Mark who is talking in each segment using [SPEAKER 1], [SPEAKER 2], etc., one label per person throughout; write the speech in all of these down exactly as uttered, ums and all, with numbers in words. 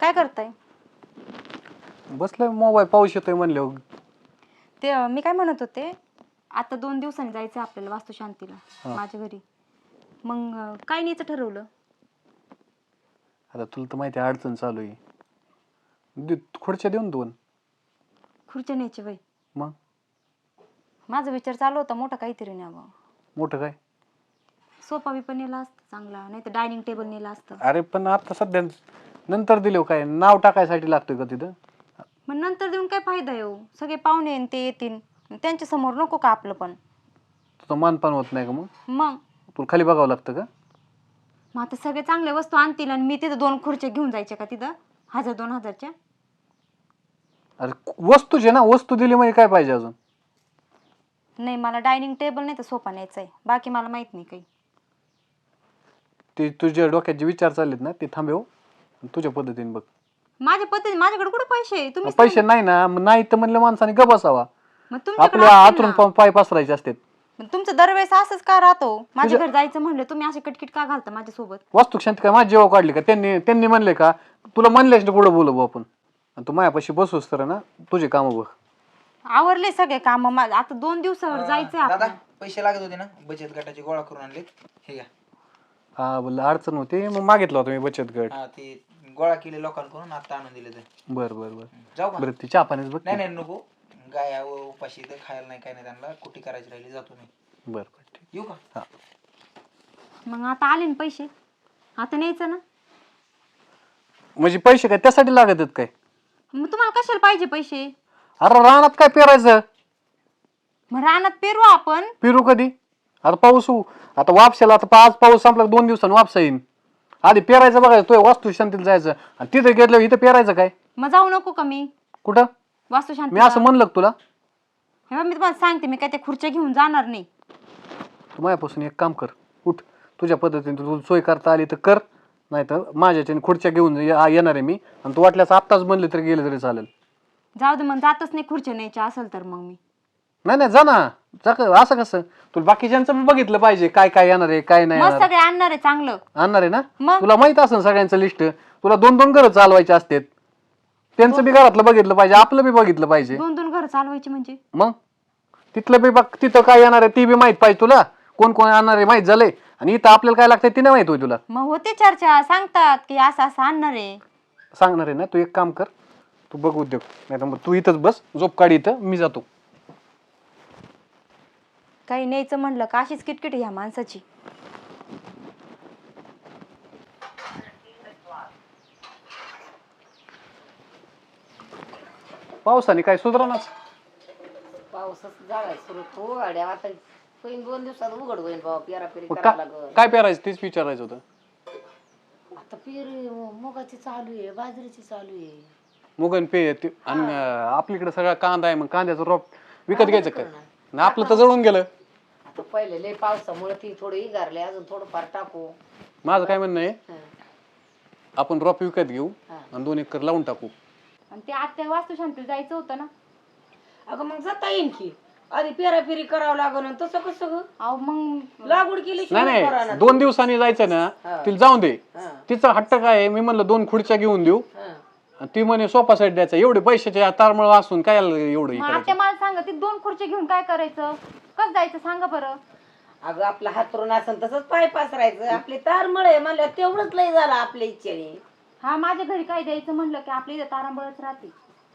[SPEAKER 1] काय करताय?
[SPEAKER 2] बसलोय मोबाईल पाऊस येतोय म्हणले.
[SPEAKER 1] ते अं, मी काय म्हणत होते, आता दोन दिवसांनी जायचं आपल्याला वास्तुशांतीला
[SPEAKER 2] हा.
[SPEAKER 1] माझ्या घरी. मग अं, काय न्यायचं ठरवलं?
[SPEAKER 2] आता तुला तर माहिती आहे अडचण चालू आहे. दे- खुर्च्या देऊन दोन.
[SPEAKER 1] खुर्च्या न्यायची बाई.
[SPEAKER 2] मग
[SPEAKER 1] माझा विचार चालू होता मोठा काहीतरी न्यावं.
[SPEAKER 2] मोठं काय?
[SPEAKER 1] सोफा बी पण नेला असतं चांगला, नाही तर डायनिंग टेबल नेला असतं.
[SPEAKER 2] अरे पण आता सध्या नंतर दिलो काय नाव टाकायसाठी लागतोय का तिथं?
[SPEAKER 1] मग नंतर देऊन काय फायदा येऊ? सगळे पाहुणे येईन ते येतील, त्यांच्या समोर नको का आपलं पण?
[SPEAKER 2] तुझं मानपान होत नाही का मग?
[SPEAKER 1] मग
[SPEAKER 2] तुला खाली बघावं लागतं का?
[SPEAKER 1] मग आता सगळे चांगल्या वस्तू आणतील आणि मी तिथं दोन खुर्च्या घेऊन जायच्या का तिथं हजार दोन हजारच्या?
[SPEAKER 2] अरे वस्तूचे ना, वस्तू दिली म्हणजे काय पाहिजे अजून?
[SPEAKER 1] नाही, मला डायनिंग टेबल नाही तर सोफा न्यायचा आहे, बाकी मला माहित नाही काही.
[SPEAKER 2] ते तुझ्या डोक्यात जे विचार चाललेत ना ते थांबव, तुझ्या पद्धतीने बघ.
[SPEAKER 1] माझ्या पद्धती माझ्याकडे कुठे पैसे आहे? तुम्ही
[SPEAKER 2] पैसे नाही ना, मग नाही तर म्हणलं माणसाने ग बसावा.
[SPEAKER 1] मग तुमच्याकडे
[SPEAKER 2] आपल्या
[SPEAKER 1] असतील
[SPEAKER 2] आतून
[SPEAKER 1] ना.
[SPEAKER 2] पाय पसरायचे असतात.
[SPEAKER 1] मग तुमचं दरवेळेस असंच का राहतो? माझ्या घरी जायचं म्हणलं तुम्ही असे कटकिट का घालता माझ्यासोबत?
[SPEAKER 2] वास्तू शांती काय माझी जेव्हा काढली का? त्यांनी त्यांनी म्हणले का तुला म्हणलेच ना पुढं बोलू आपण, आणि तू मायापाशी बसूस तर ना तुझे काम बघ.
[SPEAKER 1] आवरले सगळे काम. आता दोन दिवसावर जायचंय
[SPEAKER 3] दादा
[SPEAKER 1] आपल्याला.
[SPEAKER 3] पैसे लागत होते ना, बचत गटाची गोळा करून आणले. हे घ्या.
[SPEAKER 2] हा बोललं अडचण होती मग मागितलं होतं मी बचत गट.
[SPEAKER 3] हा ते गोळा केले लोकांकडून, आता आणून दिले ते.
[SPEAKER 2] बर बर बर.
[SPEAKER 3] जाऊ का?
[SPEAKER 2] बरं ती चहा पाण्याच बघ.
[SPEAKER 3] नाही नाही नको, गाय व उपाशी ते खायला नाही काय नाही त्यांना, कुठे करायची राहिली जातो मी.
[SPEAKER 2] बर बर ठीक.
[SPEAKER 3] येऊ का?
[SPEAKER 2] हा
[SPEAKER 1] मग आता आले ना पैसे, आता न्यायचं ना.
[SPEAKER 2] म्हणजे पैसे काय त्यासाठी लागत आहेत काय?
[SPEAKER 1] मग तुम्हाला कशाला पाहिजे पैसे?
[SPEAKER 2] अरे रानात काय पेरायचं?
[SPEAKER 1] मग रानात पेरू आपण.
[SPEAKER 2] पेरू कधी? आता पाऊस होऊ आता वापसायला, आता आज पाऊस संपला दोन दिवसांनी वापसा येईन. आधी पेरायचं बघायचं, तो वास्तू शांतीला जायचं आणि तिथे घेतलं इथं पेरायचं काय?
[SPEAKER 1] मग जाऊ नको का मी
[SPEAKER 2] कुठं?
[SPEAKER 1] वास्तुशांती?
[SPEAKER 2] मी असं म्हणलं का तुला?
[SPEAKER 1] हे बघ, मी तुम्हाला सांगते, मी काय त्या खुर्च्या घेऊन जाणार नाही.
[SPEAKER 2] तू माझ्यापासून एक काम कर, उठ तुझ्या पद्धतीने तुला सोय करता आली तर कर, नाही तर माझ्याच्या खुर्च्या घेऊन ये- येणार आहे मी, आणि तू वाटल्यास आत्ताच म्हणले तरी गेले तरी चालेल.
[SPEAKER 1] जाऊ दे, मग जातच नाही खुर्च्या न्यायच्या असेल तर. मग मी
[SPEAKER 2] नाही नाही जा ना, जा क- असं कसं? तुला बाकीच्यांचं पण बघितलं पाहिजे, काय काय येणार आहे काय नाही
[SPEAKER 1] मग
[SPEAKER 2] येणार.
[SPEAKER 1] सगळे आणणार आहे चांगलं.
[SPEAKER 2] आणणार आहे ना?
[SPEAKER 1] मग?
[SPEAKER 2] तुला माहित असेल सगळ्यांचं लिस्ट. तुला दोन दोन घरं चालवायचे असतात, त्यांचं बी घरातलं बघितलं पाहिजे, आपलं बी बघितलं पाहिजे.
[SPEAKER 1] दोन दोन घर चालवायची म्हणजे?
[SPEAKER 2] मग तिथलं बी बघ, तिथं काय येणार आहे ती बी माहित पाहिजे तुला, कोण कोण आणणार आहे माहित झालंय, आणि इथं आपल्याला काय लागतंय ती नाही माहित होय तुला.
[SPEAKER 1] मग होते चर्चा, सांगतात की असं असं आणणार आहे.
[SPEAKER 2] सांगणार आहे ना, तू एक काम कर, तू बघ उद्योग, नाही तर मग तू इथंच बस, झोप काढी इथं, मी जातो.
[SPEAKER 1] काही न्यायचं म्हणलं का अशीच किटकिट ह्या माणसाची.
[SPEAKER 2] पावसाने काय सुधारणाच.
[SPEAKER 4] पावसाच झालाय सुरू तो गाड्या आता होईन दोन दिवसात उघड होईन बाबा, पेरा पेरी
[SPEAKER 2] मग
[SPEAKER 4] करावं
[SPEAKER 2] का-
[SPEAKER 4] लागल.
[SPEAKER 2] काय पेरायचं तेच विचारायचं होतं.
[SPEAKER 4] आता पेरी मुगाची चालू आहे, बाजरीची चालू आहे.
[SPEAKER 2] मुगन पे ते- आणि अं, आपल्याकडे सगळा कांदा आहे, मग कांद्याचं रोप विकत घ्यायचं काय? आणि आपलं तर जळून गेलं.
[SPEAKER 4] आता पहिले लय पावसामुळे ती थोडी इगारले, अजून थोडं फार टाकू.
[SPEAKER 2] माझं काय म्हणणं आहे,
[SPEAKER 4] हं.
[SPEAKER 2] आपण रोप विकत घेऊ
[SPEAKER 4] हा.
[SPEAKER 2] आणि दोन एकर लावून टाकू.
[SPEAKER 1] आणि ते आत्या वास्तुशांतीला जायचं होतं ना.
[SPEAKER 4] अगं मग जाता येईन की, आधी पेरा पेरी करावं लागल, आणि तसं कसं ग?
[SPEAKER 1] अहो मग
[SPEAKER 4] लागवड केली
[SPEAKER 2] नाही नाही, दोन दिवसांनी जायचं ना, तिला जाऊन दे. तिचा हट्ट काय आहे, मी म्हणलं दोन खुर्च्या घेऊन देऊ, आणि ती म्हणे सोफा सेट द्यायचा. एवढे पैशाचे तारमळ असून काय एवढं हे
[SPEAKER 1] मग
[SPEAKER 2] करायचं?
[SPEAKER 1] आत्या मला सांगा, ती दोन खुर्च्या घेऊन काय करायचं? कसं जायचं सांगा बरं.
[SPEAKER 4] अगं आपला हातरून असेल तसंच पाय पासरायचं, आपले तार मळे म्हणलं तेवढंच लय झालं आपल्या इच्छेने.
[SPEAKER 1] हा, माझ्या घरी काय द्यायचं म्हणलं की आपल्या इथं तारांबळच राहते.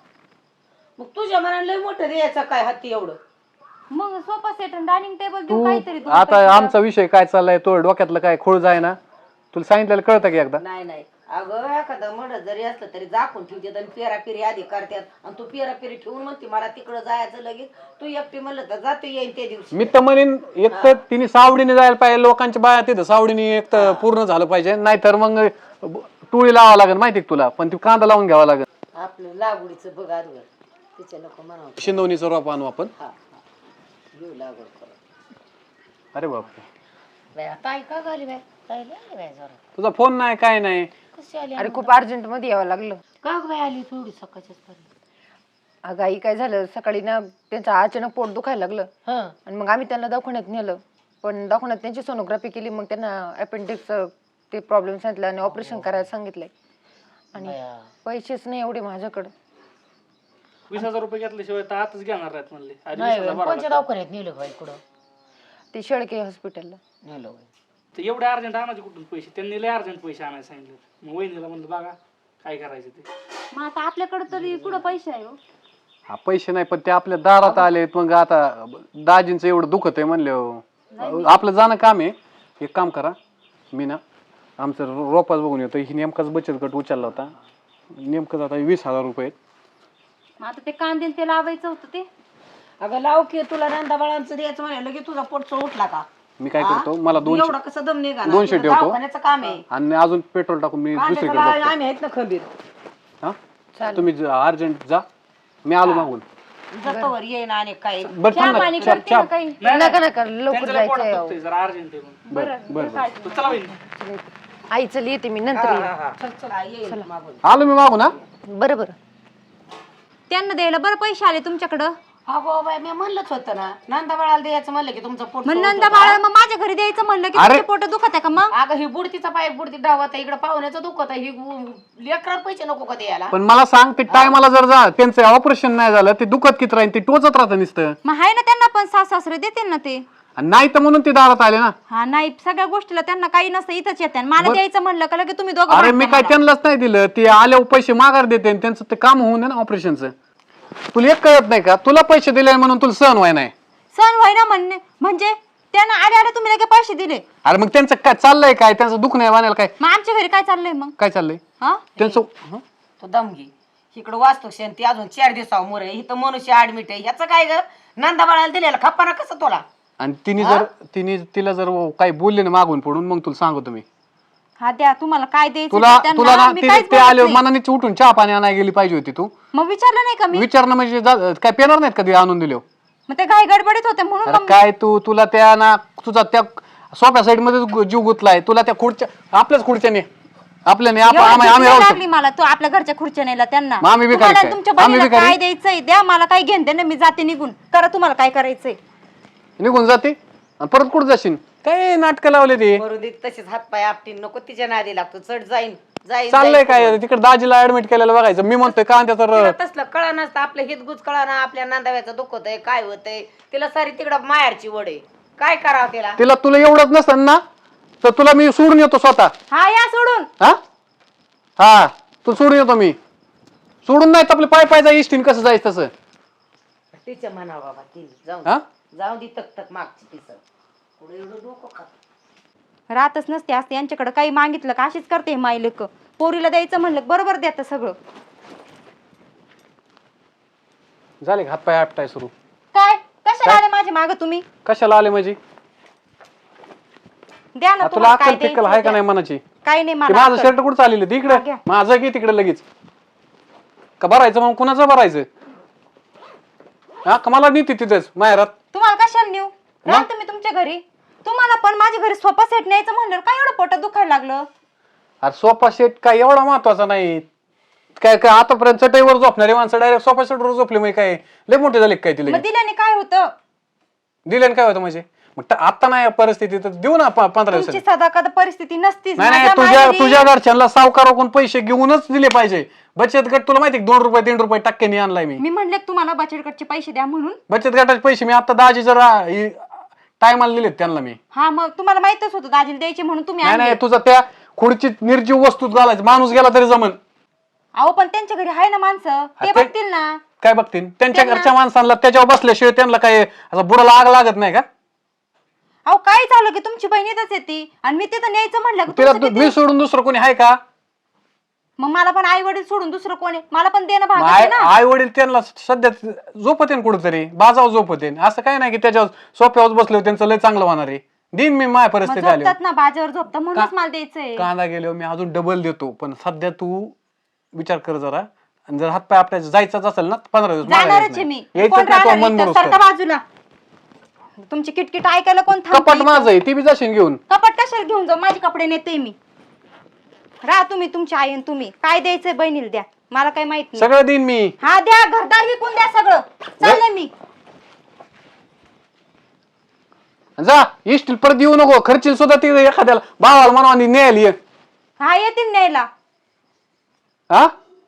[SPEAKER 4] मग तुझ्या मनाला लय मोठं द्यायचं काय हाती एवढं?
[SPEAKER 1] मग सोफा सेट आणि डायनिंग टेबल देऊ
[SPEAKER 2] तू
[SPEAKER 1] काहीतरी दोन
[SPEAKER 2] आता
[SPEAKER 1] पैशाला.
[SPEAKER 2] आमचा विषय काय चाललाय, तो डोक्यातलं काय खोळ जाय ना, तुला सांगितलेलं कळतं की एकदा?
[SPEAKER 4] नाही नाही, अगं एखादं मड जरी असलं तरी झाकून ठेवतात आणि पेरा पेरी आधी करतात, आणि तू पेरा पेरी ठेवून म्हणते मला तिकडं जायचं लगेच. तू एकटी म्हणलं तर जातो येईन त्या दिवशी.
[SPEAKER 2] मी तर म्हणेन एक तर तिने सावडीने जायला पाहिजे, लोकांच्या बाया तिथं सावडीने एक तर पूर्ण झालं पाहिजे, नाहीतर मग टोळी लावा लागेल माहिती का तुला, पण ती कांदा लावून घ्यावा लागेल.
[SPEAKER 4] आपलं लागवडीचं बघ आजवर तिच्या नको म्हणावं.
[SPEAKER 2] शिंदवणीचं रोप आणू आपण.
[SPEAKER 4] हा हा, घेऊ लागवड करत.
[SPEAKER 2] अरे बापरे,
[SPEAKER 4] बाय ताई का घाली बाय, ताई लय बाय जरा
[SPEAKER 2] तुझा फोन नाही काय नाही.
[SPEAKER 4] कशी आली?
[SPEAKER 5] अरे खूप अर्जंट मध्ये यावं लागलं.
[SPEAKER 4] का बाय आली थोडी सकाळच्याच पर्यंत?
[SPEAKER 5] अगं आई काय झालं, सकाळी ना त्यांचं अचानक पोट दुखायला लागलं,
[SPEAKER 4] हा
[SPEAKER 5] आणि मग आम्ही त्यांना दवाखान्यात नेलं, पण दवाखान्यात त्यांची सोनोग्राफी केली, मग त्यांना अपेंडिक्स ते प्रॉब्लेम सांगितलं आणि ऑपरेशन करायला सांगितलंय. आणि पैसेच नाही एवढे माझ्याकडे.
[SPEAKER 6] वीस हजार रुपये घेतल्याशिवाय तर आताच घेणार आहेत म्हणले आणि
[SPEAKER 4] नाही
[SPEAKER 6] वीस हजार
[SPEAKER 4] बाई,
[SPEAKER 6] भरावं
[SPEAKER 4] कोणत्या
[SPEAKER 6] लागतं.
[SPEAKER 4] दवाखान्यात नेलं बाई कुठं
[SPEAKER 5] ते शेळके हॉस्पिटलला.
[SPEAKER 4] नेलं बाई.
[SPEAKER 6] तर एवढे अर्जंट आणायचे कुठून पैसे? त्यांनी लय अर्जंट पैसे आणायला सांगितले. मग वहिनीला म्हणलं बघा काय करायचं ते.
[SPEAKER 1] मग आता आपल्याकडे तरी कुठं पैसे आहे हो?
[SPEAKER 2] हा पैसे नाही पण ते आपल्या दारात आलेत. मग आता दाजींचं एवढं दुखत आहे म्हणलं आपलं जाणं काम आहे. एक काम करा, मी ना आमचं रो- रोपाच बघून येतो. ही नेमकाच बचत गट उचलला होता. नेमकंच आता वीस हजार रुपये आहेत.
[SPEAKER 1] मग आता ते कांदे ते लावायचं होतं ते.
[SPEAKER 4] अगं लाव की तुला नंदा बाळांचं द्यायचं म्हणाल की तुझा पोटचा उठला का?
[SPEAKER 2] मी काय करतो, मला दोनशे
[SPEAKER 4] एवढं कसं दम निघा
[SPEAKER 2] दोनशे ठेवतो.
[SPEAKER 4] दवाखान्याचं काम आहे.
[SPEAKER 2] आणि अजून पेट्रोल टाकून मी
[SPEAKER 4] कांद्याचं
[SPEAKER 2] दुसरीकडे
[SPEAKER 4] लाव,
[SPEAKER 2] बघतो.
[SPEAKER 4] आम्ही आहेत ना खंबीर.
[SPEAKER 2] हा तुम्ही अर्जंट जा, मी आलो मागून.
[SPEAKER 4] जतवर येईन आणि काय
[SPEAKER 2] बरं
[SPEAKER 1] चहा
[SPEAKER 2] थांब
[SPEAKER 1] पाणी
[SPEAKER 2] ना, चहा-
[SPEAKER 1] करते ना
[SPEAKER 2] चहा-
[SPEAKER 1] काही.
[SPEAKER 5] नका नका लवकर
[SPEAKER 6] त्यांचं लय पोटात
[SPEAKER 5] जायचंय.
[SPEAKER 6] दुखतंय, जरा अर्जंट आहे म्हणून.
[SPEAKER 2] बरं बरं बरं.
[SPEAKER 6] तर चला वहिनी.
[SPEAKER 5] आई चल येते मी नंतर येईन.
[SPEAKER 4] चल चल येईन मागून.
[SPEAKER 2] आलो मी मागून. हा
[SPEAKER 5] बरं बरं.
[SPEAKER 1] त्यांना द्यायला बरं पैसे आले तुमच्याकडं.
[SPEAKER 4] अगो बाई मी म्हणलंच होतं ना नंदा बाळाला द्यायचं म्हणलं की तुमचं पोट
[SPEAKER 1] मग
[SPEAKER 4] सोडतं
[SPEAKER 1] नंदा
[SPEAKER 4] का?
[SPEAKER 1] बाळा मग माझ्या घरी द्यायचं म्हणलं की
[SPEAKER 2] अरे!
[SPEAKER 1] तुमचे पोट दुखत आहे का मग?
[SPEAKER 4] अगं ही बुडतीचा पाय बुडती डावत आहे इकडे पाहुण्याचं दुखत आहे ही लेकरात पैसे नको का द्यायला?
[SPEAKER 2] पण मला सांग ते टायमाला जर जा त्यांचं ऑपरेशन नाही झालं ते दुखत किती राहील, ते टोचत राहतं नुसतं.
[SPEAKER 1] मग आहे ना त्यांना पण सास सासरे देतील ना ते.
[SPEAKER 2] आणि नाही तर म्हणून ते दारात आले ना.
[SPEAKER 1] हा नाही सगळ्या गोष्टीला त्यांना काही नसतं इथंच येते मला
[SPEAKER 2] बरं.
[SPEAKER 1] द्यायचं म्हणलं का लगे तुम्ही दोघं
[SPEAKER 2] अरे मी
[SPEAKER 1] भांडता
[SPEAKER 2] काय
[SPEAKER 1] मला.
[SPEAKER 2] त्यांनाच नाही दिलं, ते आल्यावर पैसे माघार देते आणि त्यांचं ते काम होऊन दे ना ऑपरेशनचं. तुला एक कळत नाही का, तुला पैसे दिले म्हणून तुला सहन व्हाय नाही.
[SPEAKER 1] सण होय ना म्हणणे म्हणजे त्यांना आले आले तुम्ही लगे पैसे दिले.
[SPEAKER 2] अरे मग त्यांचं काय चाललंय, काय त्यांचं दुःख नाही वाण्याला काय
[SPEAKER 1] मग आमच्या घरी काय चाललंय मग?
[SPEAKER 2] काय चाललंय
[SPEAKER 1] हा
[SPEAKER 2] त्यांचं? हं?
[SPEAKER 4] तो दमगी इकडं वास्तू ती अजून चार दिवसावर मोर आहे इथं मनुष्य ऍडमिट आहे ह्याचं काय ग नंदा बाळाला दिलेला खप्पाना कसं तुला?
[SPEAKER 2] आणि तिने जर तिने तिला जर काही बोलले ना मागून पडून मग तुला सांगतो मी.
[SPEAKER 1] हा द्या तुम्हाला काय द्यायचं
[SPEAKER 2] तुला
[SPEAKER 1] ते त्यांना,
[SPEAKER 2] तुला ना
[SPEAKER 1] मी
[SPEAKER 2] ते
[SPEAKER 1] काहीच
[SPEAKER 2] ते
[SPEAKER 1] बोलत
[SPEAKER 2] आले
[SPEAKER 1] नाही.
[SPEAKER 2] मनानेच उठून चहा पाणी आणायला गेली पाहिजे होती तू.
[SPEAKER 1] मग विचारलं नाही का मी?
[SPEAKER 2] विचारणं म्हणजे जा- काय पेणार नाहीत कधी आणून दिले.
[SPEAKER 1] मग ते घाई गडबडीत होते म्हणून
[SPEAKER 2] अरे
[SPEAKER 1] मग
[SPEAKER 2] काय तू तुला त्या ना तुझा त्या सोप्या साईड मध्ये जीव गुतलाय. तुला त्या खुर्च्या आपल्याच खुर्च्याने आपल्याने आप-
[SPEAKER 1] एवढी
[SPEAKER 2] आम्ही आम्ही
[SPEAKER 1] भीती
[SPEAKER 2] राहू
[SPEAKER 1] लागली मला तू आपल्या घरच्या खुर्च्या नेला त्यांना.
[SPEAKER 2] मग आम्ही बी
[SPEAKER 1] तुम्हाला
[SPEAKER 2] काय-
[SPEAKER 1] तुमच्या
[SPEAKER 2] आम्ही
[SPEAKER 1] बहिणीला
[SPEAKER 2] बी काय-
[SPEAKER 1] काय द्यायचंय द्या मला काय घेऊन दे ना मी जाते निघून करा तुम्हाला काय करायचंय.
[SPEAKER 2] निघून जाते आणि परत कुठं जाशील? काय नाटकं लावले ते?
[SPEAKER 4] मरू दे तसेच हातपाय आपटीन नको तिच्या नादी लागतो चढ जाईन जाईन
[SPEAKER 2] चाललंय
[SPEAKER 4] जाईन.
[SPEAKER 2] काय तिकडे दाजीला ऍडमिट केलेलं बघायचं. मी म्हणतोय का त्या तर
[SPEAKER 4] तिला तसलं कळा नसतं आपलं हितगुज कळा ना आपल्या नांदाव्याचं दुखत आहे काय होतंय तिला सारी तिकडं माहेरची वड आहे काय करावं तिला?
[SPEAKER 2] तिला तुला एवढंच नसतं ना तर तुला मी सोडून येतो स्वतः.
[SPEAKER 1] हा या सोडून.
[SPEAKER 2] हा हा तू सोडून येतो मी. सोडून नाही तर आपले पाय पाय जाय इष्टीन कसं जायचं तसं.
[SPEAKER 4] तिच्या म्हणा बाबा ती जाऊ
[SPEAKER 2] हा
[SPEAKER 4] जाऊ दे तक तक मागची तिचं पुढे एवढं डोकं खात.
[SPEAKER 1] राहतच नसते असते यांच्याकडे काही मागितलं का अशीच करते माई लेक. पोरीला द्यायचं म्हणलं की बरोबर देतं सगळं.
[SPEAKER 2] झाले हात पाय आपटाय सुरू.
[SPEAKER 1] काय कशाला आले माझ्या माग तुम्ही?
[SPEAKER 2] कशाला आले माझी?
[SPEAKER 1] द्या ना
[SPEAKER 2] तुला
[SPEAKER 1] तुम्हाला काय
[SPEAKER 2] अक्कल फिक्कल
[SPEAKER 1] द्यायचं
[SPEAKER 2] आहे का
[SPEAKER 1] द्या.
[SPEAKER 2] नाही मनाची?
[SPEAKER 1] काही नाही
[SPEAKER 2] ते
[SPEAKER 1] मला
[SPEAKER 2] माझं
[SPEAKER 1] अक्कल.
[SPEAKER 2] शर्ट कुठं चाललेलं तिकडे
[SPEAKER 1] हा, घ्या.
[SPEAKER 2] माझं की तिकडे लगेच का भरायचं मग कुणाचं भरायचं? हा का मला नीती तिथेच माहेरात.
[SPEAKER 1] तुम्हाला कशाला नेऊ राहा तुम्ही तुमच्या घरी. तुम्हाला पण माझ्या घरी सोफा सेट न्यायचं म्हणलं काय एवढं पोटात दुखायला लागलं?
[SPEAKER 2] अरे सोफा सेट काय एवढा महत्वाचा नाही. काय काय आतापर्यंत चटईवर झोपणारे माणसं डायरेक्ट सोफा सेटवर झोपले मग काय लय मोठे झाले काय तिला?
[SPEAKER 1] मग दिल्याने काय होतं?
[SPEAKER 2] दिल्याने काय होतं म्हणजे? मग ट- आता नाही परिस्थिती तर देऊ ना प- पंधरा
[SPEAKER 1] तुमची
[SPEAKER 2] दिवसात.
[SPEAKER 1] सदा कदा परिस्थिती नसतीच.
[SPEAKER 2] नाही नाही
[SPEAKER 1] माझ्या
[SPEAKER 2] तुझ्या
[SPEAKER 1] माहेरी-
[SPEAKER 2] तुझ्या घरच्यांना सावकाराकडून पैसे घेऊनच दिले पाहिजे. बचत गट तुला माहिती दोन रुपये तीन रुपये टक्क्यांनी आणलाय मी.
[SPEAKER 1] मी म्हणले तुम्हाला बचत गटचे पैसे द्या म्हणून.
[SPEAKER 2] बचत गटाचे पैसे मी आता दाजी जरा टायमाला दिलेत त्यांना मी.
[SPEAKER 1] हा मग तुम्हाला माहितच होतं दाजीला द्यायचे म्हणून तुम्ही
[SPEAKER 2] नाही नाही
[SPEAKER 1] आणले.
[SPEAKER 2] तुझा त्या खुर्चीत निर्जीव वस्तूत घालायचं माणूस गेला तरी जमन.
[SPEAKER 1] अहो पण त्यांच्या घरी आहे ना माणसं ते
[SPEAKER 2] ते-
[SPEAKER 1] बघतील ना.
[SPEAKER 2] काय बघतील त्यांच्या
[SPEAKER 1] त्यांना-
[SPEAKER 2] घरच्या माणसांना त्याच्यावर बसल्याशिवाय त्यांना काय असं बुडाला आग लागत नाही का?
[SPEAKER 1] अहो काय झालं की तुमची बहीण येतच येते आणि मी तिथं न्यायचं म्हणलं की
[SPEAKER 2] तिला
[SPEAKER 1] तुमचं
[SPEAKER 2] तू-
[SPEAKER 1] तिथे-
[SPEAKER 2] मी सोडून दुसरं कोणी आहे का?
[SPEAKER 1] मग मला पण आई वडील सोडून दुसरं कोणी मला पण देणं भाग आहे ना.
[SPEAKER 2] आई वडील त्यांना सध्या झोपतेन कुठेतरी बाजाव झोपतेन. असं काय नाही की त्याच्यावर सोप्यावर बसले त्यांचं लय चांगलं होणार आहे. दिन मी माझ्या
[SPEAKER 1] मग
[SPEAKER 2] परिस्थिती आली
[SPEAKER 1] झोपतात ना बाजावर झोपतात म्हणूनच मला द्यायचंय.
[SPEAKER 2] कांदा गेलो मी अजून डबल देतो. पण सध्या तू विचार कर जरा. आणि जर हातपाय आपल्याला जायचंच असेल ना पंधरा दिवस माघारी
[SPEAKER 1] जाणारच
[SPEAKER 2] यायचं
[SPEAKER 1] आहे
[SPEAKER 2] नाही.
[SPEAKER 1] मी.
[SPEAKER 2] यायचं
[SPEAKER 1] कोण
[SPEAKER 2] नाही तो
[SPEAKER 1] राहणार
[SPEAKER 2] मन
[SPEAKER 1] इथं?
[SPEAKER 2] मोडूस
[SPEAKER 1] सरका
[SPEAKER 2] तर.
[SPEAKER 1] बाजूला. तुमची किटकिट ऐकायला कोण थांबतं
[SPEAKER 2] कपाट
[SPEAKER 1] इथं?
[SPEAKER 2] माझं आहे ती बी जाशील घेऊन.
[SPEAKER 1] कपाट कशाला घेऊन जाऊ माझे कपडे नेते मी. राहा तुम्ही तुमची आई आणि तुम्ही काय द्यायचंय बहिणीला द्या मला काही माहित नाही.
[SPEAKER 2] सगळं देईन मी.
[SPEAKER 1] हा द्या घरदार विकून द्या सगळं चाललंय मी.
[SPEAKER 2] जा इष्टील परत येऊ नको. खर्चील सुद्धा ती एखाद्याला भावाला म्हणून न्यायला ये.
[SPEAKER 1] हा येतील न्यायला.
[SPEAKER 2] हा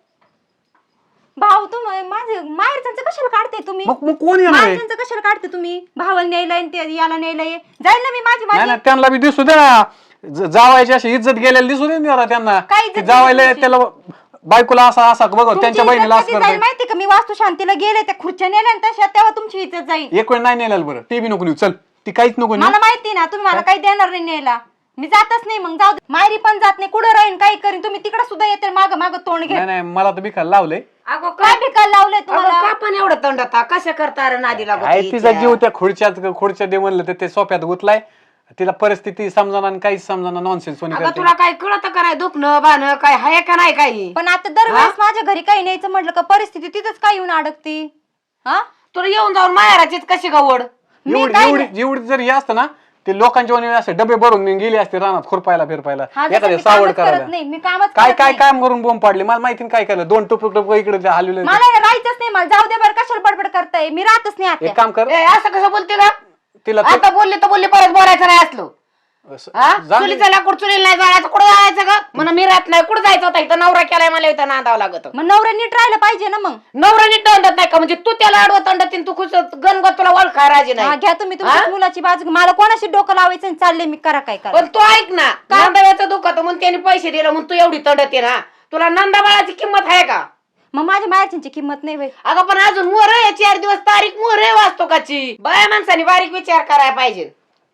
[SPEAKER 1] भाऊ तुम माझे माहेरच्यांचं कशाला काढते तुम्ही
[SPEAKER 2] मग मग कोण येणार आहे?
[SPEAKER 1] माहेरच्यांचं कशाला काढते तुम्ही भावाला न्यायलाय आणि ते याला न्यायलाय जाईल ना मी माझी
[SPEAKER 2] नाही
[SPEAKER 1] माझी
[SPEAKER 2] ना त्यांना बी दिसू दे ना ज- जावायची अशी इज्जत गेलेली दिसू दे ना जरा त्यांना
[SPEAKER 1] काय इज्जत
[SPEAKER 2] की जावायला
[SPEAKER 1] गेलेली?
[SPEAKER 2] त्याला बायकोला असा असा बघ
[SPEAKER 1] तुमची
[SPEAKER 2] त्यांच्या
[SPEAKER 1] इज्जत
[SPEAKER 2] बहिणीला असं
[SPEAKER 1] कधी जाईल
[SPEAKER 2] करतोय
[SPEAKER 1] माहिती का मी वास्तू शांतीला गेले त्या खुर्च्या नेल्या आणि तशा तेव्हा तुमची इज्जत जाईल
[SPEAKER 2] एक वेळ नाही नेल्याला बरं ते बी नको नेऊ चल ती काहीच नको नेऊ
[SPEAKER 1] मला माहिती ना तुम्ही मला काही देणार नाही न्यायला मी जातच नाही मग जाऊ दे. माहेरी पण जात नाही कुठं राहीन काही करीन तुम्ही तिकडे सुद्धा येते माग माग तोंड घे
[SPEAKER 2] नाही नाही मला तर बिखायला लावलंय
[SPEAKER 4] अगो
[SPEAKER 1] काय भिकायला लावलंय तुम्हाला
[SPEAKER 4] का पण एवढं तंड आता कशा करता अरे नादी लागत
[SPEAKER 2] काय
[SPEAKER 4] हिच्या?
[SPEAKER 2] तिचा जीव त्या खुर्च्यात खुर्च्या दे म्हणलं तर ते सोप्यात गुतलाय तिला परिस्थिती समजाना आणि काहीच समजाना नॉनसेन्स सोनी
[SPEAKER 4] अगं
[SPEAKER 2] करते
[SPEAKER 4] तुला काय कळत काय दुखणं बाण काय हाय का नाही काही
[SPEAKER 1] पण आता दरवेळेस माझ्या घरी काही न्यायचं म्हटलं का परिस्थिती तिथंच काय येऊन अडकती हा
[SPEAKER 4] तुला येऊन जाऊन माहेराचीच कशी गवड
[SPEAKER 1] मी
[SPEAKER 2] एवढी
[SPEAKER 1] काय
[SPEAKER 2] एवढी एवढी जर हे असतं ना ते लोकांच्या वणी असे डबे भरून गेले असते रानात खुरपायला फिरपायला
[SPEAKER 1] हा, जसं
[SPEAKER 2] एखाद्या
[SPEAKER 1] मी
[SPEAKER 2] सावड
[SPEAKER 1] कामच करत
[SPEAKER 2] करायला
[SPEAKER 1] नाही मी कामच
[SPEAKER 2] काय
[SPEAKER 1] करत
[SPEAKER 2] काय
[SPEAKER 1] नाही.
[SPEAKER 2] काम करून बोंब पाडले मला माहिती नाही काय केलं दोन टुपक टुपक इकडे हलवले
[SPEAKER 1] मला राहायचंच नाही मला जाऊ दे बरं कशाला बडबड करताय मी राहतच नाही
[SPEAKER 2] एक
[SPEAKER 1] आता
[SPEAKER 2] काम कर
[SPEAKER 4] ए, असं कसं बोलते का
[SPEAKER 2] तिला ते-
[SPEAKER 4] आता बोलले तर बोलले परत बोलायचं नाही असलो
[SPEAKER 2] असं-
[SPEAKER 4] हा
[SPEAKER 2] जाऊ दे.
[SPEAKER 4] चुलीचा लाकूड चुलीला नाही जायचं कुठं जायचं का म्हणून मी राहत नाही कुठं जायचं होता इथं नवरा केलाय मला इथं नांदावं लागत
[SPEAKER 1] मग नवरा नीट राहायला पाहिजे ना मग
[SPEAKER 4] नवरा नीट तंडत नाही का म्हणजे तू त्याला आडवं तंडत तू खुश गणगत तुला ओळखा राजी
[SPEAKER 1] हा,
[SPEAKER 4] नाही
[SPEAKER 1] घ्या तुम्ही तुमच्या
[SPEAKER 4] हा?
[SPEAKER 1] मुलाची बाजू घ्या. मला कोणाशी डोकं लावायचं आणि चालले मी करा काय करा
[SPEAKER 4] पण तू ऐक ना नांदाव्याचं दुखत म्हणून त्याने पैसे दिले म्हणून तू एवढी तंडत आहे ना तुला नंदाबाळाची किंमत आहे का
[SPEAKER 1] मग माझ्या मायाची किंमत नाही बाई
[SPEAKER 4] अगं पण अजून मोर आहे चार दिवस तारीख मोर आहे वाचतो काची बाया माणसाने बारीक विचार करायला पाहिजे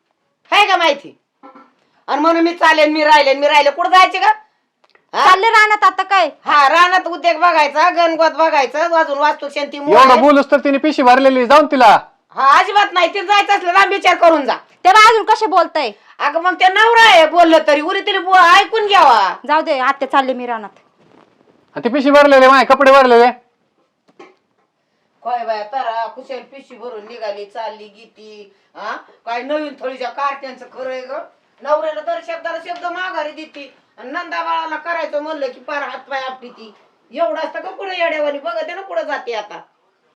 [SPEAKER 4] आहे का माहिती आणि म्हणून मी चालेन मी राहिले मी राहिले कुठं जायचे का हा?
[SPEAKER 1] चालले राहण्यात आता काय
[SPEAKER 4] हा रानात उद्योग बघायचा गणगोत बघायचं अजून वास्तू शांती मोर
[SPEAKER 2] एवढं
[SPEAKER 4] आहे.
[SPEAKER 2] बोलूस तर तिने पिशी भरलेली जाऊन तिला
[SPEAKER 4] हा अजिबात नाही ते जायचं असलं लांब विचार करून जा
[SPEAKER 1] तेव्हा अजून कसे बोलताय
[SPEAKER 4] अगं मग ते नवरा आहे बोललं तरी उरी तरी बो- ऐकून घ्यावा
[SPEAKER 1] जाऊ दे आत्या चालले मी राहण्यात
[SPEAKER 2] आणि ती पिशी भरलेले माय कपडे भरलेले
[SPEAKER 4] काय बाया तारा कुशल पिशी भरून निघाली चालली गीती हा काय नवीन थोडीच्या कार्ट्यांचं खरं आहे ग नवऱ्याला दर शब्दाला शब्द माघारी देती आणि नंदा बाळाला करायचं म्हणलं की पार हात पाय आपली ती एवढं असतं का पुढे येड्यावानी बघते ना पुढे जाते आता